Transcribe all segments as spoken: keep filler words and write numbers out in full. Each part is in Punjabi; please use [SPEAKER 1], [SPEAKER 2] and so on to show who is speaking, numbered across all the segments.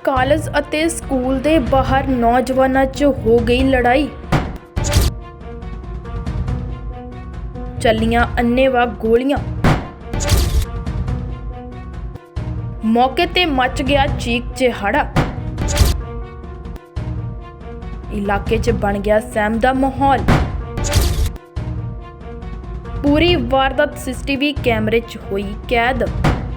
[SPEAKER 1] ਕਾਲਜ ਅਤੇ ਸਕੂਲ ਦੇ ਬਾਹਰ ਨੌਜਵਾਨਾਂ 'ਚ ਹੋ ਗਈ ਲੜਾਈ। ਚੱਲੀਆਂ ਅੰਨ੍ਹੇਵਾਹ ਗੋਲੀਆਂ। ਮੌਕੇ ਤੇ ਮਚ ਗਿਆ ਚੀਕ ਚਿਹਾੜਾ। ਇਲਾਕੇ 'ਚ ਬਣ ਗਿਆ ਸਹਿਮ ਦਾ ਮਾਹੌਲ। ਪੂਰੀ ਵਾਰਦਾਤ ਸੀਸੀਟੀਵੀ ਕੈਮਰੇ 'ਚ ਹੋਈ ਕੈਦ।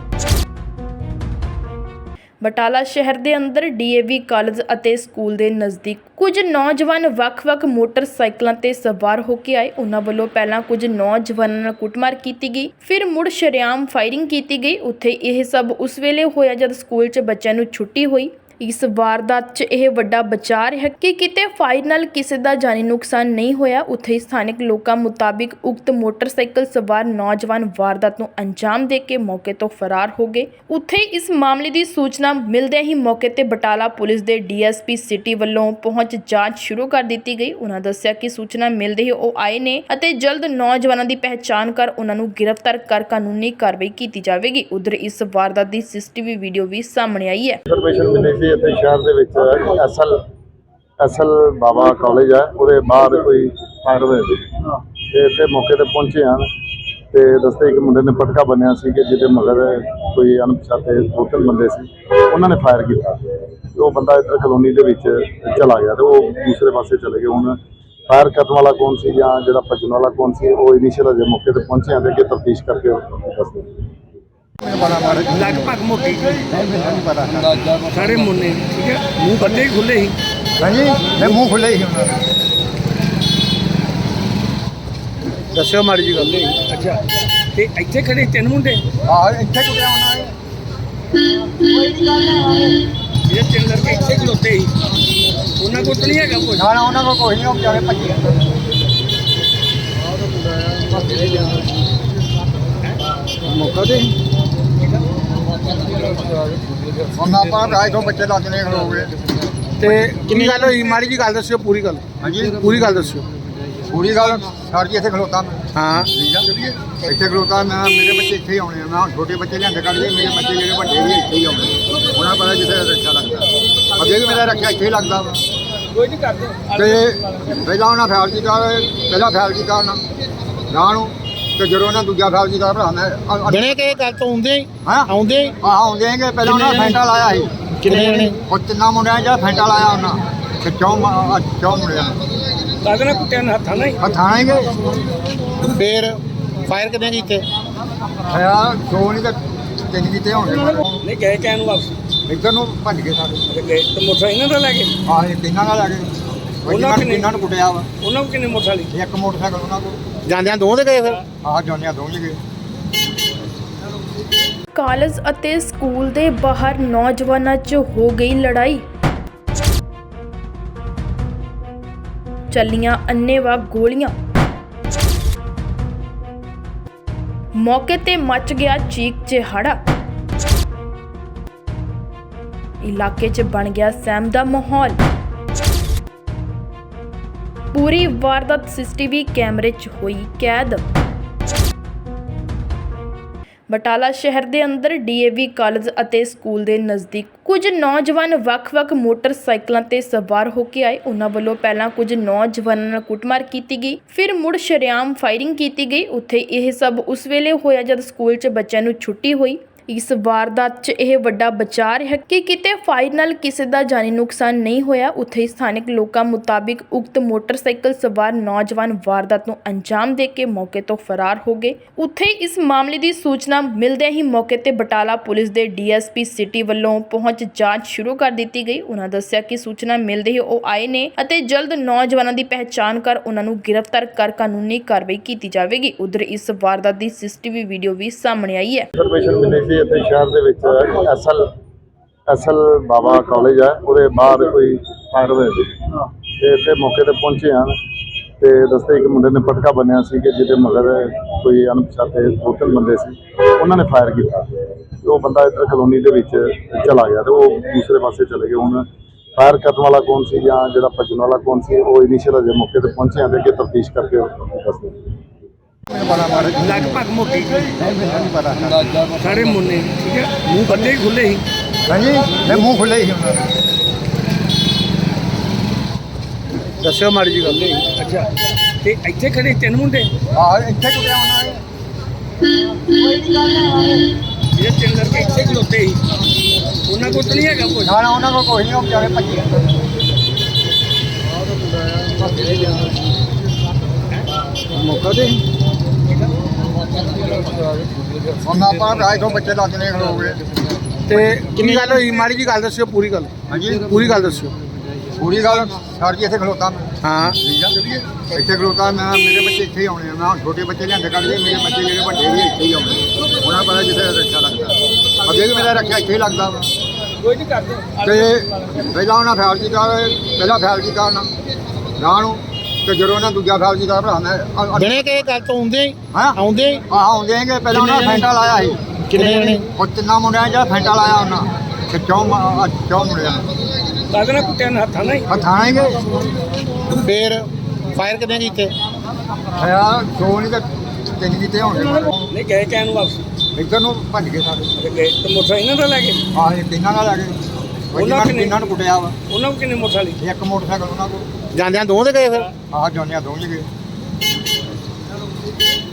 [SPEAKER 1] ਬਟਾਲਾ ਸ਼ਹਿਰ ਦੇ ਅੰਦਰ ਡੀਏਵੀ ਕਾਲਜ ਅਤੇ ਸਕੂਲ ਦੇ ਨਜ਼ਦੀਕ ਕੁਝ ਨੌਜਵਾਨ ਵੱਖ-ਵੱਖ ਮੋਟਰਸਾਈਕਲਾਂ ਤੇ ਸਵਾਰ ਹੋ ਕੇ ਆਏ। ਉਹਨਾਂ ਵੱਲੋਂ ਪਹਿਲਾਂ ਕੁਝ ਨੌਜਵਾਨਾਂ ਨਾਲ ਕੁੱਟਮਾਰ ਕੀਤੀ ਗਈ, ਫਿਰ ਮੁੜ ਸ਼ਰੇਆਮ ਫਾਇਰਿੰਗ ਕੀਤੀ ਗਈ। ਉੱਥੇ ਇਹ ਸਭ ਉਸ ਵੇਲੇ ਹੋਇਆ ਜਦ ਸਕੂਲ 'ਚ ਬੱਚਿਆਂ ਨੂੰ ਛੁੱਟੀ ਹੋਈ। ਇਸ ਵਾਰਦਾਤ 'ਚ ਇਹ ਵੱਡਾ ਬਚਾਅ ਹੈ ਕਿ ਕਿਤੇ ਫਾਇਰ ਨਾਲ ਕਿਸੇ ਦਾ ਜਾਨੀ ਨੁਕਸਾਨ ਨਹੀਂ ਹੋਇਆ। ਉੱਥੇ ਸਥਾਨਕ ਲੋਕਾਂ ਮੁਤਾਬਿਕ ਉਕਤ ਮੋਟਰਸਾਈਕਲ ਸਵਾਰ ਨੌਜਵਾਨ ਵਾਰਦਾਤ ਨੂੰ ਅੰਜਾਮ ਦੇ ਕੇ ਮੌਕੇ ਤੋਂ ਫਰਾਰ ਹੋ ਗਏ। ਉੱਥੇ ਇਸ ਮਾਮਲੇ ਦੀ ਸੂਚਨਾ ਮਿਲਦਿਆਂ ਹੀ ਮੌਕੇ ਤੇ ਬਟਾਲਾ ਪੁਲਿਸ ਦੇ ਡੀਐਸਪੀ ਸਿਟੀ ਵੱਲੋਂ ਪਹੁੰਚ ਜਾਂਚ ਸ਼ੁਰੂ ਕਰ ਦਿੱਤੀ ਗਈ। ਉਹਨਾਂ ਦੱਸਿਆ ਕਿ ਸੂਚਨਾ ਮਿਲਦੇ ਹੀ ਉਹ ਆਏ ਨੇ ਅਤੇ ਜਲਦ ਨੌਜਵਾਨਾਂ ਦੀ ਪਹਿਚਾਣ ਕਰ ਉਹਨਾਂ ਨੂੰ ਗ੍ਰਿਫਤਾਰ ਕਰ ਕਾਨੂੰਨੀ ਕਾਰਵਾਈ ਕੀਤੀ ਜਾਵੇਗੀ। ਉਧਰ ਇਸ ਵਾਰਦਾਤ ਦੀ ਸੀਸੀਟੀਵੀ ਵੀਡੀਓ ਵੀ ਸਾਹਮਣੇ ਆਈ ਹੈ।
[SPEAKER 2] ਇੱਥੇ ਸ਼ਹਿਰ ਦੇ ਵਿੱਚ ਅਸਲ ਅਸਲ ਬਾਬਾ ਕਾਲਜ ਹੈ, ਉਹਦੇ ਬਾਹਰ ਕੋਈ ਫਾਇਰ ਹੋਇਆ ਸੀ ਤੇ ਇੱਥੇ ਮੌਕੇ ਤੇ ਪਹੁੰਚੇ ਹਨ ਤੇ ਦੱਸਦੇ ਇੱਕ ਮੁੰਡੇ ਨੇ ਪਟਕਾ ਬੰਨਿਆ ਸੀ ਕਿ ਜਿਹਦੇ ਮਗਰ ਕੋਈ ਅਣਪਛਾਤੇ ਦੋ ਤਿੰਨ ਬੰਦੇ ਸੀ, ਉਹਨਾਂ ਨੇ ਫਾਇਰ ਕੀਤਾ ਤੇ ਉਹ ਬੰਦਾ ਇੱਧਰ ਕਲੋਨੀ ਦੇ ਵਿੱਚ ਚਲਾ ਗਿਆ ਤੇ ਉਹ ਦੂਸਰੇ ਪਾਸੇ ਚਲੇ ਗਏ। ਹੁਣ ਫਾਇਰ ਕਰਨ ਵਾਲਾ ਕੌਣ ਸੀ ਜਾਂ ਜਿਹੜਾ ਭੱਜਣ ਵਾਲਾ ਕੌਣ ਸੀ, ਉਹ ਇਨੀਸ਼ੀਅਲ ਅਜੇ ਮੌਕੇ ਤੇ ਪਹੁੰਚੇ ਹਨ ਤੇ ਤਫਤੀਸ਼ ਕਰਕੇ ਦੱਸਦੇ।
[SPEAKER 3] लगभग मोटी सारे मुन्ने ठीक है, मुंह बंदे ही खुले ही।
[SPEAKER 4] हाँ जी, मैं मुँह खुले ही हूँ।
[SPEAKER 3] दस्यो माड़ी जी गल। अच्छा ते इत्थे खड़े तीन मुंडे
[SPEAKER 4] हाँ इतने कुछ होना है
[SPEAKER 3] ये तीन लड़के इत्थे खलोते ही, उन्होंने को तो नहीं है कुछ
[SPEAKER 4] ना ना उन्होंने कोई नहीं बेचारे भजे
[SPEAKER 3] मौका दे
[SPEAKER 4] हम आप ढाई सौ बच्चे लादने खड़ो गए।
[SPEAKER 3] ते किन्नी गल होई माड़ी जी गल दस्यो पूरी गल।
[SPEAKER 4] हाँ जी
[SPEAKER 3] पूरी गल दस्यो।
[SPEAKER 4] पूरी गल सर जी इतने खलोता मैं
[SPEAKER 3] हाँ
[SPEAKER 4] ठीक है इतने खलोता मैं, मेरे बच्चे इतने ही आने, मैं छोटे बच्चे लिया कर लिए, मेरे बच्चे जो बड़े भी इतने ही आने, उन्होंने पता जिसे रक्षा लगता अगे भी मेरा रक्षा इतने ही लगता वा।
[SPEAKER 3] कोई नहीं करते
[SPEAKER 4] पहला उन्हें फैल किया, पहला फैल किया राह ਤੇ ਜਦੋਂ ਉਹਨਾਂ ਦੂਜਾ ਫੈਲ ਕੀਤਾ ਭਰਾ ਮੈਂ
[SPEAKER 5] ਜਣੇ ਕਿ ਇਹ ਗੱਲ ਤੋਂ ਆਉਂਦੇ ਹੀ
[SPEAKER 4] ਹਾਂ
[SPEAKER 5] ਆਉਂਦੇ ਹੀ
[SPEAKER 4] ਆਹ ਆਉਂਦੇ ਹੈਗੇ। ਪਹਿਲਾਂ ਉਹਨਾਂ ਫੈਂਟਾ ਲਾਇਆ ਸੀ
[SPEAKER 5] ਕਿੰਨੇ ਜਣੇ
[SPEAKER 4] ਉਹ ਤਿੰਨਾਂ ਮੁੰਡਿਆਂ ਜਿਹੜਾ ਫੈਂਟਾ ਲਾਇਆ ਉਹਨਾਂ ਤੇ ਚੌਂ ਚੌਂ ਮੁੰਡਿਆਂ
[SPEAKER 3] ਕਾਹਦੇ ਨਾਲ ਕੁੱਟਿਆ ਨਾ ਹੱਥਾਂ ਨਾਲ ਹੀ।
[SPEAKER 4] ਹੱਥਾਂ ਹੈਗੇ
[SPEAKER 5] ਫੇਰ ਫਾਇਰ ਕਿੰਨੇ ਕੀਤੇ?
[SPEAKER 4] ਹੈ ਦੋ ਨਹੀਂ ਤਾਂ ਤਿੰਨ ਕੀਤੇ ਹੋਣਗੇ।
[SPEAKER 3] ਨਹੀਂ ਗਏ ਕਹਿਣ ਨੂੰ ਵਾਪਸ
[SPEAKER 4] ਇੱਧਰ ਨੂੰ ਭੱਜ ਗਏ ਸਾਰੇ
[SPEAKER 3] ਤੇ ਗਏ ਤੇ ਮੋਟਰਸਾਈਕਲ ਇਹਨਾਂ ਦਾ ਲੈ ਗਏ।
[SPEAKER 4] ਆਹ ਇਹ ਤਿੰਨਾਂ ਨਾਲ ਆ ਗਏ। ਉਹਨਾਂ ਨੇ ਤਿੰਨਾਂ ਨੂੰ ਕੁੱਟਿਆ ਵਾ।
[SPEAKER 3] ਉਹਨਾਂ ਨੂੰ ਕਿੰਨੇ ਮੋਟਰਸਾਈਕਲ
[SPEAKER 4] ਇੱਕ ਮੋਟਰਸਾਈਕਲ ਉਹਨਾਂ ਕੋਲ
[SPEAKER 5] ਜਾਂਦਿਆਂ ਦੋ ਦੇ ਗਏ ਫਿਰ?
[SPEAKER 4] ਆਹ ਜਾਂਦਿਆਂ ਦੋ ਹੀ ਗਏ।
[SPEAKER 1] ਕਾਲਜ ਅਤੇ ਸਕੂਲ ਦੇ ਬਾਹਰ ਨੌਜਵਾਨਾਂ 'ਚ ਹੋ ਗਈ ਲੜਾਈ। ਚੱਲੀਆਂ ਅੰਨ੍ਹੇਵਾਹ ਗੋਲੀਆਂ। ਮੌਕੇ ਤੇ ਮਚ ਗਿਆ ਚੀਕ ਚਿਹਾੜਾ। ਇਲਾਕੇ 'ਚ ਬਣ ਗਿਆ ਸਹਿਮ ਦਾ ਮਾਹੌਲ। ਪੂਰੀ ਵਾਰਦਾਤ ਸੀਸੀਟੀਵੀ ਕੈਮਰੇ 'ਚ ਹੋਈ ਕੈਦ। ਬਟਾਲਾ ਸ਼ਹਿਰ ਦੇ ਅੰਦਰ ਡੀਏਵੀ ਕਾਲਜ ਅਤੇ ਸਕੂਲ ਦੇ ਨਜ਼ਦੀਕ ਕੁਝ ਨੌਜਵਾਨ ਵੱਖ-ਵੱਖ ਮੋਟਰਸਾਈਕਲਾਂ ਤੇ ਸਵਾਰ ਹੋ ਕੇ ਆਏ। ਉਹਨਾਂ ਵੱਲੋਂ ਪਹਿਲਾਂ ਕੁਝ ਨੌਜਵਾਨਾਂ ਨਾਲ ਕੁੱਟਮਾਰ ਕੀਤੀ ਗਈ, ਫਿਰ ਮੁੜ ਸ਼ਰੇਆਮ ਫਾਇਰਿੰਗ ਕੀਤੀ ਗਈ। ਉੱਥੇ ਇਹ ਸਭ ਉਸ ਵੇਲੇ ਹੋਇਆ ਜਦ ਸਕੂਲ 'ਚ ਬੱਚਿਆਂ ਨੂੰ ਛੁੱਟੀ ਹੋਈ। ਇਸ ਵਾਰਦਾਤ 'ਚ ਇਹ ਵੱਡਾ ਬਚਾਅ ਹੈ ਕਿ ਕਿਤੇ ਫਾਇਰ ਨਾਲ ਕਿਸੇ ਦਾ ਜਾਨੀ ਨੁਕਸਾਨ ਨਹੀਂ ਹੋਇਆ। ਉੱਥੇ ਸਥਾਨਕ ਲੋਕਾਂ ਮੁਤਾਬਿਕ ਉਕਤ ਮੋਟਰਸਾਈਕਲ ਸਵਾਰ ਨੌਜਵਾਨ ਵਾਰਦਾਤ ਨੂੰ ਅੰਜਾਮ ਦੇ ਕੇ ਮੌਕੇ ਤੋਂ ਫਰਾਰ ਹੋ ਗਏ। ਉੱਥੇ ਇਸ ਮਾਮਲੇ ਦੀ ਸੂਚਨਾ ਮਿਲਦਿਆਂ ਹੀ ਮੌਕੇ ਤੇ ਬਟਾਲਾ ਪੁਲਿਸ ਦੇ ਡੀਐਸਪੀ ਸਿਟੀ ਵੱਲੋਂ ਪਹੁੰਚ ਜਾਂਚ ਸ਼ੁਰੂ ਕਰ ਦਿੱਤੀ ਗਈ। ਉਹਨਾਂ ਦੱਸਿਆ ਕਿ ਸੂਚਨਾ ਮਿਲਦੇ ਹੀ ਉਹ ਆਏ ਨੇ ਅਤੇ ਜਲਦ ਨੌਜਵਾਨਾਂ ਦੀ ਪਹਿਚਾਣ ਕਰ ਉਹਨਾਂ ਨੂੰ ਗ੍ਰਿਫਤਾਰ ਕਰ ਕਾਨੂੰਨੀ ਕਾਰਵਾਈ ਕੀਤੀ ਜਾਵੇਗੀ। ਉਧਰ ਇਸ ਵਾਰਦਾਤ ਦੀ ਸੀਸੀਟੀਵੀ ਵੀਡੀਓ ਵੀ ਸਾਹਮਣੇ ਆਈ ਹੈ।
[SPEAKER 2] ਇੱਥੇ ਸ਼ਹਿਰ ਦੇ ਵਿੱਚ ਅਸਲ ਅਸਲ ਬਾਬਾ ਕਾਲਜ ਹੈ, ਉਹਦੇ ਬਾਹਰ ਕੋਈ ਫਾਇਰ ਹੋਇਆ ਸੀ ਤੇ ਇੱਥੇ ਮੌਕੇ ਤੇ ਪਹੁੰਚੇ ਹਨ ਤੇ ਦੱਸਦੇ ਇੱਕ ਮੁੰਡੇ ਨੇ ਪਟਕਾ ਬੰਨਿਆ ਸੀ ਕਿ ਜਿਹਦੇ ਮਗਰ ਕੋਈ ਅਣਪਛਾਤੇ ਦੋ ਤਿੰਨ ਬੰਦੇ ਸੀ, ਉਹਨਾਂ ਨੇ ਫਾਇਰ ਕੀਤਾ ਤੇ ਉਹ ਬੰਦਾ ਇੱਧਰ ਕਲੋਨੀ ਦੇ ਵਿੱਚ ਚਲਾ ਗਿਆ ਤੇ ਉਹ ਦੂਸਰੇ ਪਾਸੇ ਚਲੇ ਗਏ। ਹੁਣ ਫਾਇਰ ਕਰਨ ਵਾਲਾ ਕੌਣ ਸੀ ਜਾਂ ਜਿਹੜਾ ਭੱਜਣ ਵਾਲਾ ਕੌਣ ਸੀ, ਉਹ ਇਨੀਸ਼ੀਅਲ ਅਜੇ ਮੌਕੇ ਤੇ ਪਹੁੰਚੇ ਹਨ ਤੇ ਤਫਤੀਸ਼ ਕਰਕੇ ਦੱਸਦੇ।
[SPEAKER 4] ਮੈਨੂੰ ਪਤਾ ਮਾੜਾ ਜੀ
[SPEAKER 3] ਲਗਭਗ ਮੋਟੀ ਜੀ
[SPEAKER 4] ਨਹੀਂ ਮੈਨੂੰ ਨਹੀਂ ਪਤਾ
[SPEAKER 3] ਸਾਰੇ ਮੁੰਨੇ ਠੀਕ ਹੈ ਮੂੰਹ ਬੰਦੇ ਹੀ ਖੁੱਲੇ ਸੀ
[SPEAKER 4] ਹਾਂਜੀ ਮੈਂ ਮੂੰਹ ਖੁੱਲੇ ਹੀ ਉਹਨਾਂ ਦੇ
[SPEAKER 5] ਦੱਸਿਓ ਮਾੜੀ ਜੀ ਗੱਲ
[SPEAKER 3] ਅੱਛਾ ਤੇ ਇੱਥੇ ਖੜੇ ਤਿੰਨ ਮੁੰਡੇ
[SPEAKER 4] ਆਹ ਇੱਥੇ ਕੁੜਿਆ ਉਹਨਾਂ ਨੇ
[SPEAKER 3] ਜਿਹੜੇ ਤਿੰਨ ਲੜਕੇ ਇੱਥੇ ਖਲੋਤੇ ਸੀ ਉਹਨਾਂ ਕੋਲ ਤਾਂ ਨਹੀਂ ਹੈਗਾ ਕੁਝ
[SPEAKER 4] ਨਾ ਨਾ ਉਹਨਾਂ ਕੋਲ ਕੋਈ ਨਹੀਂ ਉਹ ਵਿਚਾਰੇ ਭੱਜੇ
[SPEAKER 3] ਮੌਕਾ ਦੇ
[SPEAKER 4] ਹੁਣ ਆਪਾਂ ਰਾਜ ਤੋਂ ਬੱਚੇ ਲੱਗ ਨੇ ਖਲੋਗੇ
[SPEAKER 5] ਤੇ ਕਿੰਨੀ ਗੱਲ ਹੋਈ ਮਾੜੀ ਜੀ ਗੱਲ ਦੱਸਿਓ ਪੂਰੀ ਗੱਲ
[SPEAKER 4] ਹਾਂਜੀ
[SPEAKER 5] ਪੂਰੀ ਗੱਲ ਦੱਸਿਓ
[SPEAKER 4] ਪੂਰੀ ਗੱਲ ਸਰ ਜੀ ਇੱਥੇ ਖਲੋਤਾ ਮੈਂ
[SPEAKER 5] ਹਾਂ
[SPEAKER 4] ਠੀਕ ਆ ਇੱਥੇ ਖਲੋਤਾ ਮੈਂ ਮੇਰੇ ਬੱਚੇ ਇੱਥੇ ਹੀ ਆਉਣੇ ਆ ਮੈਂ ਹੁਣ ਛੋਟੇ ਬੱਚੇ ਲਿਆਂਦੇ ਕੱਢ ਲਏ ਮੇਰੇ ਬੱਚੇ ਜਿਹੜੇ ਵੱਡੇ ਵੀ ਇੱਥੇ ਹੀ ਆਉਣੇ ਉਹਨਾਂ ਪਤਾ ਜਿੱਥੇ ਰੱਖਿਆ ਲੱਗਦਾ ਅੱਗੇ ਵੀ ਮੇਰਾ ਰੱਖਿਆ ਇੱਥੇ ਹੀ ਲੱਗਦਾ ਵਾ
[SPEAKER 3] ਕੋਈ ਨਹੀਂ ਕਰਦੇ
[SPEAKER 4] ਤੇ ਪਹਿਲਾਂ ਉਹਨਾਂ ਫੈਲ ਕੀਤਾ ਪਹਿਲਾਂ ਫੈਲ ਕੀਤਾ ਉਹਨਾਂ ਗਾਂ ਨੂੰ ਤੇ ਜਦੋਂ ਉਹਨਾਂ ਦੂਜਾ ਫੈਲ ਕੀਤਾ ਭਰਾ ਮੈਂ
[SPEAKER 5] ਦਿਨੇ ਕਿਸੇ ਗੱਲ ਤੋਂ ਆਉਂਦੇ ਹੀ
[SPEAKER 4] ਹਾਂ
[SPEAKER 5] ਆਉਂਦੇ ਹੀ
[SPEAKER 4] ਆਹ ਆਉਂਦੇ ਹੈਗੇ ਪਹਿਲਾਂ ਉਹਨਾਂ ਫੈਂਟਾ ਲਾਇਆ ਸੀ
[SPEAKER 5] ਕਿੰਨੇ ਜਣੇ
[SPEAKER 4] ਉਹ ਤਿੰਨਾਂ ਮੁੰਡਿਆਂ ਨੇ ਜਿਹੜਾ ਫੈਂਟਾ ਲਾਇਆ ਉਹਨਾਂ ਤੇ ਚੌਂ ਮ- ਚੌਂ ਮੁੰਡਿਆਂ ਨੇ
[SPEAKER 3] ਕਾਹਦੇ ਨਾਲ ਕੁੱਟਿਆ ਨੇ ਹੱਥਾਂ ਨਾਲ ਹੀ
[SPEAKER 4] ਹੱਥਾਂ ਨਾਲ ਹੀ ਗਏ
[SPEAKER 5] ਫੇਰ ਫਾਇਰ ਕਿੰਨੇ ਕੀਤੇ
[SPEAKER 4] ਯਾਰ ਦੋ ਨਹੀਂ ਤੇ ਤਿੰਨ ਕੀਤੇ ਹੋਣਗੇ
[SPEAKER 3] ਨਹੀਂ ਗਏ ਕਹਿਣ ਨੂੰ ਵਾਪਸ
[SPEAKER 4] ਇੱਧਰ ਨੂੰ ਭੱਜ ਗਏ ਸਾਰੇ
[SPEAKER 3] ਤੇ ਗਏ ਤੇ ਮੋਟਰਸਾਈਕਲ ਇਹਨਾਂ ਦਾ ਲੈ ਗਏ
[SPEAKER 4] ਆਹ ਇਹ ਤਿੰਨਾਂ ਨਾਲ ਆ ਗਏ ਉਹਨਾਂ
[SPEAKER 3] ਕਿੰਨੇ?
[SPEAKER 4] ਤਿੰਨਾਂ ਨੂੰ ਕੁੱਟਿਆ ਵਾ
[SPEAKER 3] ਉਹਨਾਂ ਕੋਲ ਕਿੰਨੇ ਮੋਟਰਸਾਈਕਲ
[SPEAKER 4] ਇੱਕ ਮੋਟਰਸਾਈਕਲ ਉਹਨਾਂ ਕੋਲ
[SPEAKER 5] ਜਾਂਦਿਆਂ ਦੋ ਦੇ ਗਏ ਫਿਰ
[SPEAKER 4] ਆਹ ਜੋਨਿਆ ਦੋਵੇਂ ਗਏ